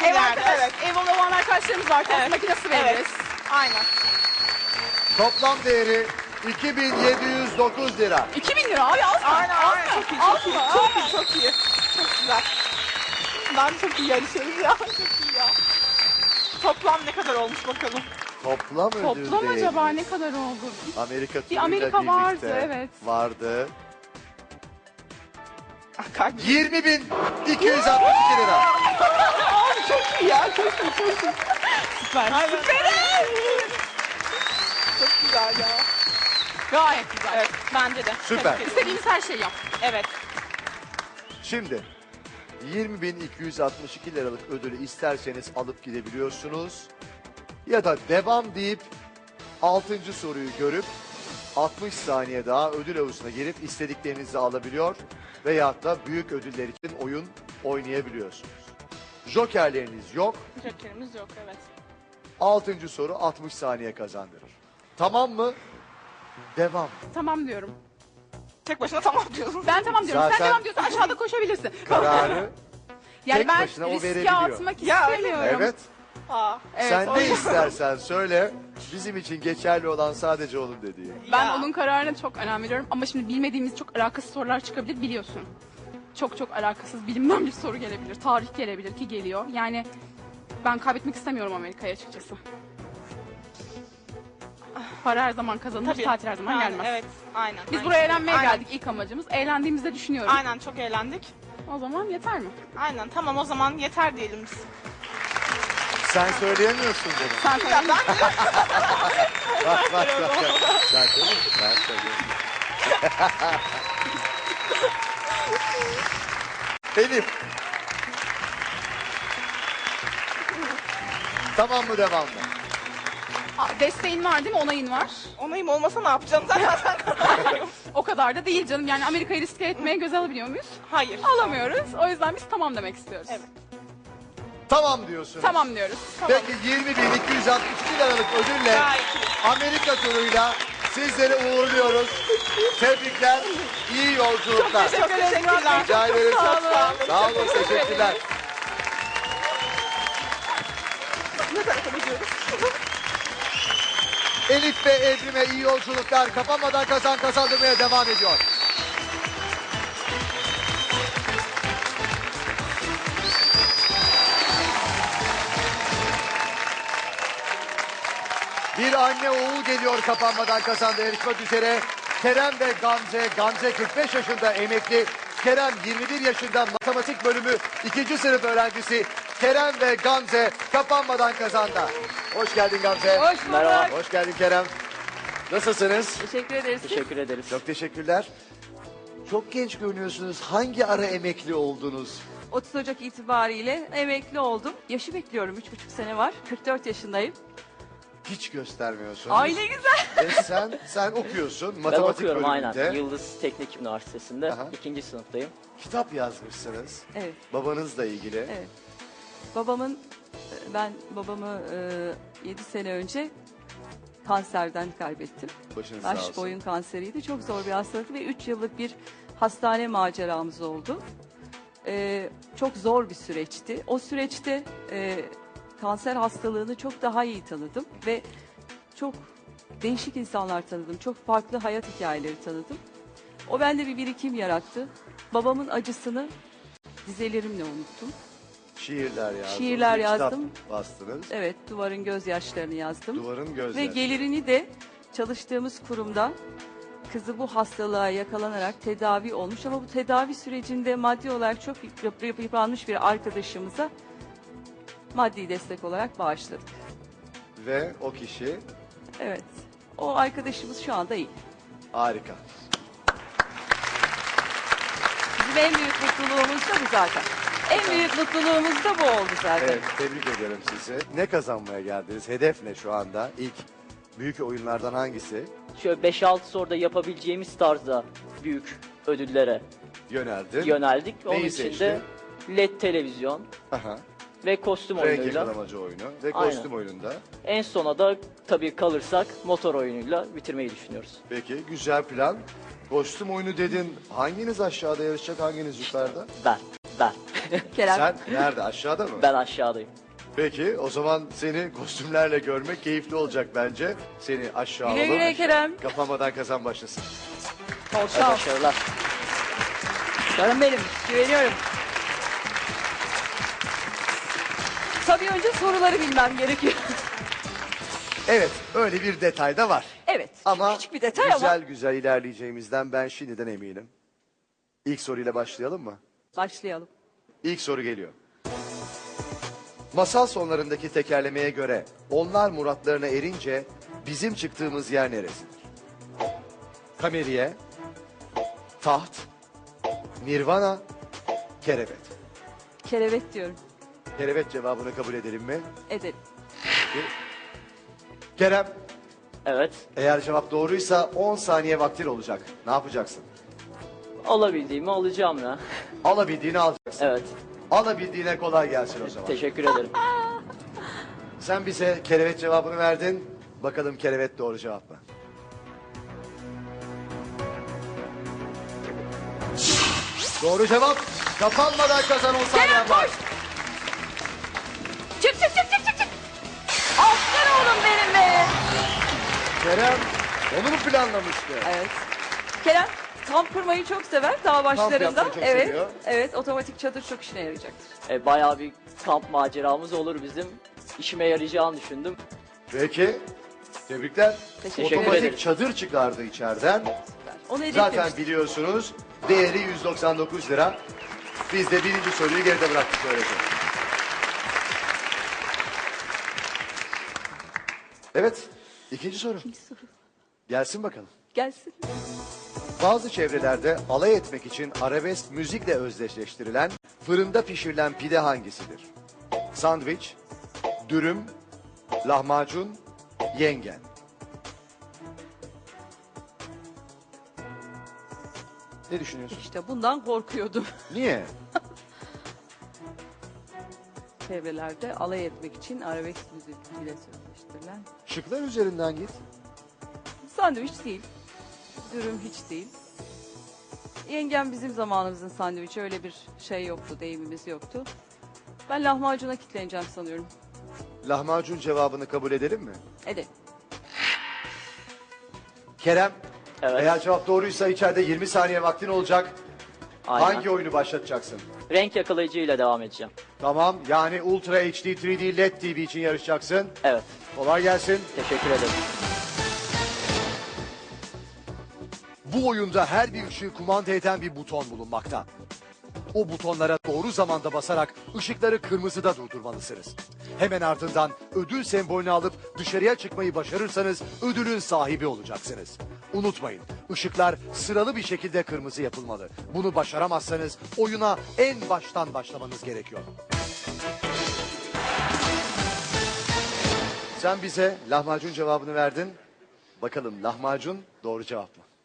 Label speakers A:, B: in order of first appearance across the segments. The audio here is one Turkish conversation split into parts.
A: Ev arkadaş,
B: Evet.
A: ev olan arkadaşlarımız var. Tost
B: Evet.
A: makinesi veririz.
B: Evet. Aynen.
C: Toplam değeri 2709 lira.
A: 2000 lira abi az mı?
B: Aynen.
A: Az
B: Aynen.
A: mı?
B: Çok iyi.
A: Az
B: Çok iyi.
A: mı?
B: Çok iyi. Çok iyi. Çok güzel. Ben çok iyi yarışıyoruz ya. Çok iyi ya. Toplam ne kadar olmuş bakalım.
C: Toplam ödül
A: Toplam
C: değeri.
A: acaba ne kadar oldu?
C: Amerika
A: Bir
C: turuyla
A: Amerika
C: birlikte
A: vardı, evet.
C: vardı.
B: Kalbim.
C: 20.262 lira.
B: Abi çok iyi ya. Çok iyi. Çok iyi.
A: Süper.
B: Aynen. Çok güzel ya.
A: Gayet güzel.
B: Evet. Bence de.
C: Süper.
B: Tebrik ederim.
A: İstediğimiz her şeyi yap.
B: Evet.
C: Şimdi 20.262 liralık ödülü isterseniz alıp gidebiliyorsunuz. Ya da devam deyip 6. soruyu görüp 60 saniye daha ödül havuzuna girip istediklerinizi alabiliyor veyahut da büyük ödüller için oyun oynayabiliyorsunuz. Jokerleriniz yok.
B: Jokerimiz yok. Evet.
C: 6. soru 60 saniye kazandırır. Tamam mı? Devam.
A: Tamam diyorum.
B: Tek başına tamam diyorsun.
A: Ben tamam diyorum.
C: Zaten-
A: Sen tamam diyorsan aşağıda koşabilirsin.
C: Kararı
A: Yani
C: tek
A: ben
C: başına o
A: riske
C: verebiliyor.
A: atmak
B: Ya, öyle mi?
A: istemiyorum.
C: evet.
B: Aa.
A: Evet,
C: Sen
A: o
C: ne
A: yüzden-
C: istersen söyle. Bizim için geçerli olan sadece onun dediği.
A: Ben
B: Ya.
A: onun kararına çok önem veriyorum ama şimdi bilmediğimiz çok alakasız sorular çıkabilir biliyorsun. Çok çok alakasız bilimden bir soru gelebilir, tarih gelebilir ki geliyor. Yani ben kaybetmek istemiyorum Amerika'ya açıkçası. Para her zaman kazanılır,
B: Tabii.
A: tatil her zaman
B: Yani,
A: gelmez.
B: Evet. Aynen.
A: Biz
B: aynen.
A: buraya eğlenmeye
B: Aynen.
A: geldik ilk amacımız. Eğlendiğimizi de düşünüyorum.
B: Aynen çok eğlendik.
A: O zaman yeter mi?
B: Aynen tamam o zaman yeter diyelim biz.
C: Sen söyleyemiyorsun bunu.
A: Sen
B: Ya ben
C: Bak bak bak. Sen söyle. Ben söyleyeyim. Elif. Tamam mı devam mı?
A: desteğin var değil mi? Onayın var.
B: onayım olmasa ne yapacağım zaten.
A: O kadar da değil canım. Yani Amerika'yı riske etmeye göze alabiliyor muyuz?
B: Hayır.
A: Alamıyoruz. O yüzden biz tamam demek istiyoruz.
B: Evet.
C: Tamam diyorsun.
A: Tamam diyoruz.
C: Peki 20.262 liralık ödülle
B: Gayet iyi.
C: Amerika turuyla sizleri uğurluyoruz. Tebrikler, iyi yolculuklar.
B: Çok teşekkürler.
C: Rica ederiz.
A: Sağ olun.
C: Sağ olun, teşekkürler.
B: Ne tarafa gidiyoruz?
C: Elif ve Evrim'e iyi yolculuklar. Kapanmadan kazandırmaya devam ediyor. Bir anne oğul geliyor kapanmadan kazandı yarışmak üzere. Kerem ve Gamze. Gamze 45 yaşında emekli. Kerem 21 yaşında matematik bölümü 2. sınıf öğrencisi. Kerem ve Gamze kapanmadan kazandı. Hoş geldin Gamze.
A: Hoş bulduk.
D: Merhaba.
C: Hoş geldin Kerem. Nasılsınız?
A: Teşekkür ederiz.
D: Teşekkür ederiz.
C: Çok teşekkürler. Çok genç görünüyorsunuz. Hangi ara emekli oldunuz?
E: 30 Ocak itibariyle emekli oldum. Yaşı bekliyorum. 3,5 sene var. 44 yaşındayım.
C: Hiç göstermiyorsun.
E: Ay ne güzel.
C: Sen okuyorsun
D: Ben
C: matematik
D: okuyorum
C: bölümünde.
D: aynen. Yıldız Teknik Üniversitesi'nde.
C: Aha.
D: 2. sınıftayım.
C: Kitap yazmışsınız.
E: Evet,
C: Babanızla ilgili.
E: evet. Ben babamı 7 sene önce kanserden kaybettim.
C: Başınız sağ
E: Baş
C: olsun.
E: boyun kanseriydi. Çok zor bir hastalıktı ve 3 yıllık bir hastane maceramız oldu. Çok zor bir süreçti. O süreçte kanser hastalığını çok daha iyi tanıdım ve çok değişik insanlar tanıdım. Çok farklı hayat hikayeleri tanıdım. O bende bir birikim yarattı. Babamın acısını dizelerimle unuttum.
C: Şiirler yazdınız.
E: Şiirler
C: bir kitap
E: yazdım.
C: bastınız.
E: Evet, duvarın gözyaşlarını yazdım.
C: Duvarın
E: Ve
C: gözleri.
E: gelirini de çalıştığımız kurumda kızı bu hastalığa yakalanarak tedavi olmuş ama bu tedavi sürecinde maddi olarak çok yıpranmış bir arkadaşımıza maddi destek olarak bağışladık.
C: Ve o kişi
E: Evet. O arkadaşımız şu anda iyi.
C: harika.
E: Bizim en büyük mutluluğumuz da bu zaten. En büyük mutluluğumuz da bu oldu zaten.
C: Evet, tebrik ederim sizi. Ne kazanmaya geldiniz? Hedef ne şu anda? İlk büyük oyunlardan hangisi?
D: Şöyle 5-6 soruda yapabileceğimiz tarzda büyük ödüllere
C: Yöneldin.
D: yöneldik. Onun
C: Neyi
D: için
C: seçtin?
D: de LED televizyon
C: Aha.
D: ve kostüm
C: Renk
D: oyunuyla.
C: yakalamacı oyunu ve
D: Aynen.
C: kostüm oyununda.
D: En sona da tabii kalırsak motor oyunuyla bitirmeyi düşünüyoruz.
C: Peki, güzel plan. Kostüm oyunu dedin. Hanginiz aşağıda yarışacak, hanginiz yukarıda?
D: Ben.
E: Kerem.
C: Sen nerede? Aşağıda mı?
D: Ben aşağıdayım.
C: Peki o zaman seni kostümlerle görmek keyifli olacak bence. Seni aşağı
E: Güle
C: alalım.
E: güle Kerem.
C: Kapanmadan kazan başlasın.
E: Bol şans.
D: Başarılar.
E: Canım benim. Güveniyorum. Tabii önce soruları bilmem gerekiyor.
C: Evet öyle bir detay da var.
E: Evet.
C: Ama
E: küçük bir detay
C: güzel
E: ama.
C: güzel ilerleyeceğimizden ben şimdiden eminim. İlk soruyla başlayalım mı?
E: Başlayalım.
C: İlk soru geliyor. Masal sonlarındaki tekerlemeye göre onlar muratlarına erince bizim çıktığımız yer neresidir? Kameriye, taht, nirvana, kerevet.
E: Kerevet diyorum.
C: Kerevet cevabını kabul edelim mi?
E: Edelim.
C: Kerem,
D: Evet.
C: eğer cevap doğruysa 10 saniye vaktin olacak. Ne yapacaksın?
D: Olabildiğimi alacağım ya.
C: Alabildiğini alacaksın.
D: Evet.
C: Alabildiğine kolay gelsin o zaman.
D: Teşekkür ederim.
C: Sen bize kerevet cevabını verdin. Bakalım kerevet doğru cevap mı? Doğru cevap. Kapanmadan kazan 10 saniye
E: Kerem
C: var.
E: koş. Çık çık çık çık çık çık. Aferin oğlum benim be.
C: Kerem onu mu planlamıştı?
E: Evet. Kerem kamp kurmayı çok sever dağ başlarında.
C: yapmayı çok
E: Evet.
C: seviyor.
E: Evet, otomatik çadır çok işine yarayacaktır.
D: Bayağı bir kamp maceramız olur bizim. İşime yarayacağını düşündüm.
C: Peki. Tebrikler.
E: Teşekkür
C: Otomatik
D: ederim.
C: çadır çıkardı içeriden.
E: Süper. Onu
C: Zaten
E: hedeflemiştik.
C: biliyorsunuz değeri 199 lira. Biz de birinci soruyu geride bıraktık böylece. Evet. ikinci soru.
E: soru.
C: Gelsin bakalım.
E: Gelsin.
C: Bazı çevrelerde alay etmek için arabesk müzikle özdeşleştirilen fırında pişirilen pide hangisidir? Sandviç, dürüm, lahmacun, yengen. Ne düşünüyorsun?
E: İşte bundan korkuyordum.
C: Niye?
E: Çevrelerde alay etmek için arabesk müzik ile sözleştirilen.
C: Şıklar üzerinden git.
E: Sandviç değil. Dürüm hiç değil. Yengem bizim zamanımızın sandviçi, öyle bir şey yoktu, deyimimiz yoktu. Ben lahmacuna kitleneceğim sanıyorum.
C: Lahmacun cevabını kabul edelim mi?
E: Edelim.
C: Kerem,
D: Evet.
C: eğer cevap doğruysa içeride 20 saniye vaktin olacak.
D: Aynen.
C: Hangi oyunu başlatacaksın?
D: Renk yakalayıcıyla devam edeceğim.
C: Tamam, yani Ultra HD 3D LED TV için yarışacaksın.
D: Evet.
C: Kolay gelsin.
D: Teşekkür ederim.
C: Bu oyunda her bir ışığı kumanda eden bir buton bulunmakta. O butonlara doğru zamanda basarak ışıkları kırmızıda durdurmalısınız. Hemen ardından ödül sembolünü alıp dışarıya çıkmayı başarırsanız ödülün sahibi olacaksınız. Unutmayın, ışıklar sıralı bir şekilde kırmızı yapılmalı. Bunu başaramazsanız oyuna en baştan başlamanız gerekiyor. Sen bize lahmacun cevabını verdin. Bakalım lahmacun doğru cevap mı?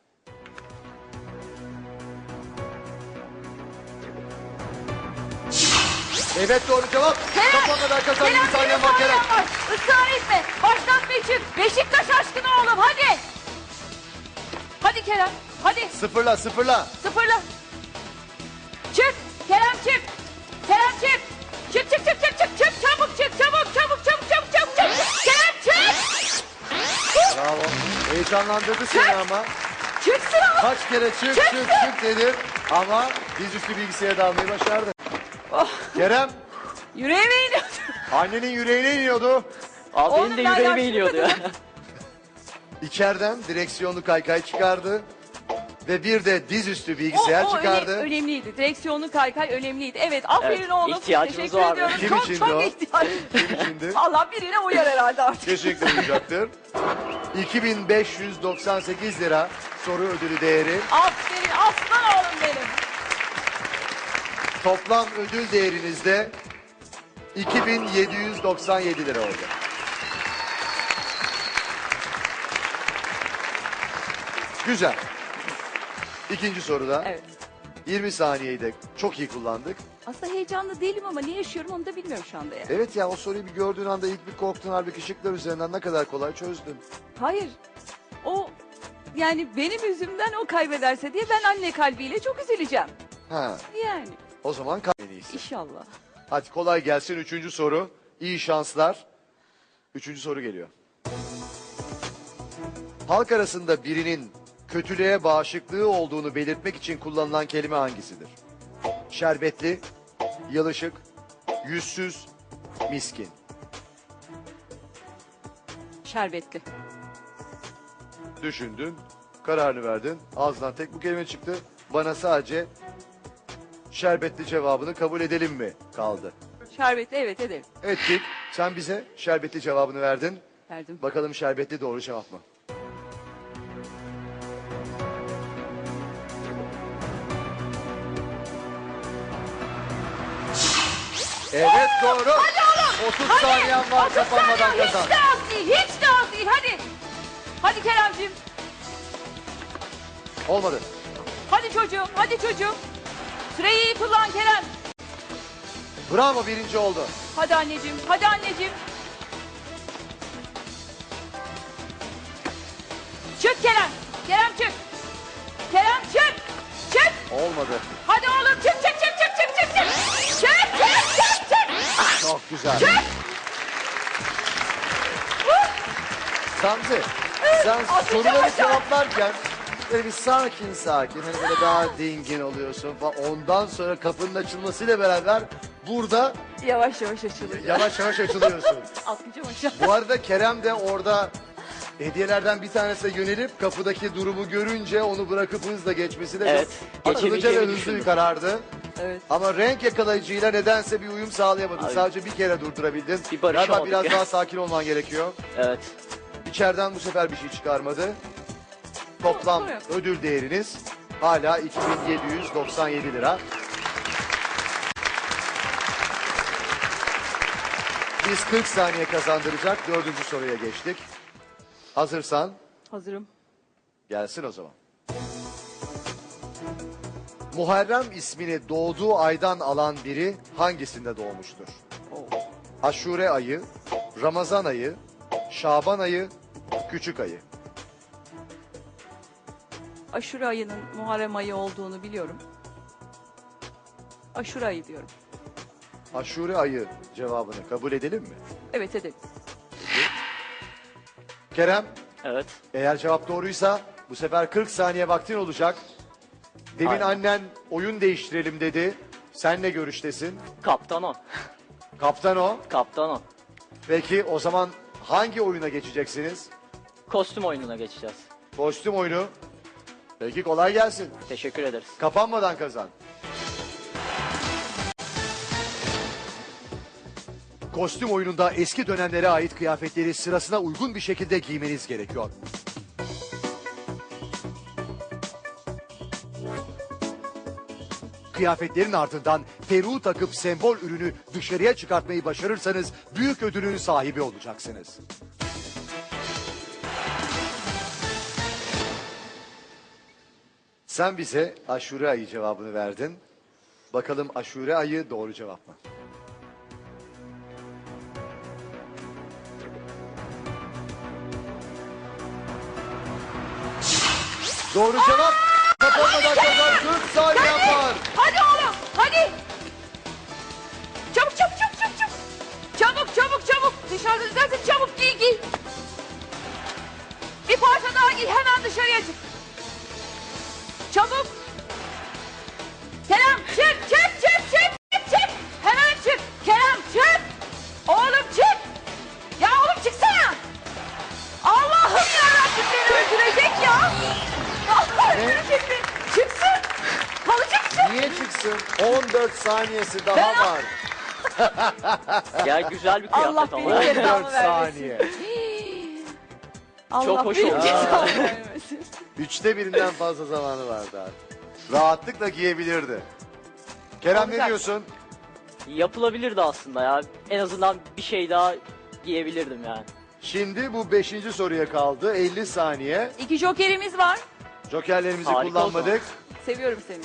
C: Evet doğru cevap. Kapanmadan kazan 20 saniye var Kerem.
E: Israr etme. Başlatma için. Beşiktaş aşkına oğlum, hadi. Hadi Kerem. Hadi.
C: Sıfırla sıfırla.
E: Sıfırla. Çık. Kerem çık. Kerem çık. Çık çık çık çık çık çık. Çabuk çık. Çabuk çabuk çabuk çabuk çabuk çabuk. Kerem çık.
C: Bravo. Heyecanlandırdı seni ama.
E: Çık sıra.
C: Kaç kere çık çık çık dedim. Ama dizüstü bilgisayara dalmayı başardı.
E: Oh.
C: Kerem
E: Yüreğime iniyor.
C: annenin yüreğine iniyordu.
D: Abi
E: Oğlum,
D: benim de
E: ben
D: yüreğime
E: yaşlı
D: iniyordu ya.
C: İçeriden direksiyonlu kaykay çıkardı. Ve bir de dizüstü bilgisayar çıkardı.
E: Önemliydi. Direksiyonlu kaykay önemliydi. Evet, aferin
D: Evet,
E: oğlum.
D: ihtiyacımız
E: Teşekkür
D: vardı.
E: ediyorum.
C: Kim
E: çok
C: içindi
E: çok
C: o?
E: ihtiyacım.
C: Kim içindi?
E: Allah birine uyar herhalde artık.
C: Kesinlikle olacaktır. 2598 lira soru ödülü değeri.
E: Aferin aslan oğlum benim.
C: Toplam ödül değerinizde 2797 lira oldu. Güzel. İkinci soruda
E: Evet.
C: 20 saniyeyi de çok iyi kullandık.
E: Aslında heyecanlı değilim ama ne yaşıyorum onu da bilmiyorum şu anda ya.
C: Evet ya o soruyu bir gördüğün anda ilk bir korktun, halbuki şıklar üzerinden ne kadar kolay çözdün.
E: Hayır. O, yani benim yüzümden o kaybederse diye ben anne kalbiyle çok üzüleceğim.
C: Ha.
E: Yani.
C: O zaman en iyisi.
E: İnşallah.
C: Hadi kolay gelsin. 3. soru. İyi şanslar. 3. soru geliyor. Halk arasında birinin kötülüğe bağışıklığı olduğunu belirtmek için kullanılan kelime hangisidir? Şerbetli, yalışık, yüzsüz, miskin.
E: Şerbetli.
C: Düşündün, kararını verdin. Ağzından tek bu kelime çıktı. Bana sadece şerbetli cevabını kabul edelim mi kaldı?
E: Şerbetli, evet edelim.
C: Ettik. Sen bize şerbetli cevabını verdin.
E: Verdim.
C: Bakalım şerbetli doğru cevap mı? Evet doğru. 30 saniyen var, kapanmadan kazan.
E: Hiç de az değil, hiç de az değil. Hadi. Hadi Keremciğim.
C: Olmadı.
E: Hadi çocuğum, hadi çocuğum. Süreyi iyi kullan Kerem.
C: Bravo, birinci oldu.
E: Hadi anneciğim, hadi anneciğim. Çık Kerem. Kerem çık. Kerem çık. Çık.
C: Olmadı.
E: Hadi oğlum çık çık çık çık çık çık çık. Çık çık çık çık.
C: Çok güzel. Samzi, sen soruları
E: aşağı.
C: cevaplarken böyle bir sakin sakin, hani böyle daha dingin oluyorsun falan. Ondan sonra kapının açılmasıyla beraber burada
E: Yavaş yavaş açılıyor.
C: yavaş yavaş açılıyorsun.
E: Atlayacağım aşağı.
C: Bu arada Kerem de orada hediyelerden bir tanesine yönelip kapıdaki durumu görünce onu bırakıp hızla geçmesi de
D: Evet,
C: çok akıllıca ve
D: geçebileceğimi
C: hızlı bir
D: düşündüm.
C: karardı.
E: Evet.
C: Ama renk yakalayıcıyla nedense bir uyum sağlayamadın.
D: Abi,
C: Sadece bir kere durdurabildin.
D: bir barışamadık
C: Galiba biraz
D: ya.
C: daha sakin olman gerekiyor.
D: Evet.
C: İçeriden bu sefer bir şey çıkarmadı. Toplam
E: Sorun yok.
C: ödül değeriniz hala 2797 lira. Biz 40 saniye kazandıracak 4. soruya geçtik. Hazırsan
E: Hazırım.
C: gelsin o zaman. Muharrem ismini doğduğu aydan alan biri hangisinde doğmuştur?
E: Oo.
C: Aşure ayı, Ramazan ayı, Şaban ayı, Küçük ayı.
E: Aşure ayının Muharrem ayı olduğunu biliyorum. Aşure ayı diyorum.
C: Aşure ayı cevabını kabul edelim mi?
E: Evet edelim.
C: Kerem,
D: Evet.
C: eğer cevap doğruysa bu sefer 40 saniye vaktin olacak. Demin
D: Aynen.
C: annen oyun değiştirelim dedi. Senle görüştesin.
D: Kaptan o.
C: Kaptan o.
D: Kaptan o.
C: Peki o zaman hangi oyuna geçeceksiniz?
D: Kostüm oyununa geçeceğiz.
C: Kostüm oyunu. Peki kolay gelsin.
D: Teşekkür ederiz.
C: Kapanmadan kazan. Kostüm oyununda eski dönemlere ait kıyafetleri sırasına uygun bir şekilde giymeniz gerekiyor. Kıyafetlerin ardından peruğu takıp sembol ürünü dışarıya çıkartmayı başarırsanız büyük ödülün sahibi olacaksınız. Sen bize aşure ayı cevabını verdin. Bakalım aşure ayı doğru cevap mı? Doğru cevap. Kapanmadan kazan 40 saniye var.
E: Hadi oğlum hadi. Çabuk çabuk çabuk çabuk çabuk. Çabuk çabuk çabuk. Dışarıda zaten çabuk giy giy. Bir parça daha giy hemen dışarıya çık. Çabuk. Kerem çık çık çık çık çık çık. Hemen çık. Kerem çık. Oğlum çık. Ya oğlum çıksana. Allah'ım yarabbim beni öldürecek ya. Allah öldürecek beni. Çıksın. Kalacak çık.
C: Niye çıksın? 14 saniyesi daha var.
D: Ya güzel bir
E: Allah
D: kıyafet
E: beni
D: ama.
E: yeter.
C: 14 saniye.
E: Allah
D: Çok hoş
E: benim
D: oldu.
E: cezamı vermesin.
C: 3'te birinden fazla zamanı vardı abi. Rahatlıkla giyebilirdi. Kerem ne
E: Olacak.
C: diyorsun?
D: Yapılabilirdi aslında ya. En azından bir şey daha giyebilirdim yani.
C: Şimdi bu 5. soruya kaldı. 50 saniye.
E: 2 jokerimiz var.
C: Jokerlerimizi
D: Harika
C: kullanmadık.
E: Seviyorum seni.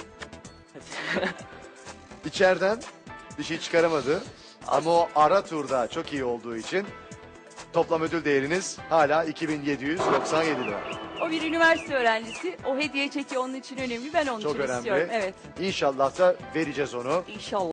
C: İçeriden bir şey çıkaramadı. Ama o ara turda çok iyi olduğu için toplam ödül değeriniz hala 2797 lira.
E: O bir üniversite öğrencisi. O hediye çeki onun için önemli. Ben onun
C: Çok
E: için
C: önemli.
E: istiyorum. Evet.
C: İnşallah da vereceğiz onu.
E: İnşallah.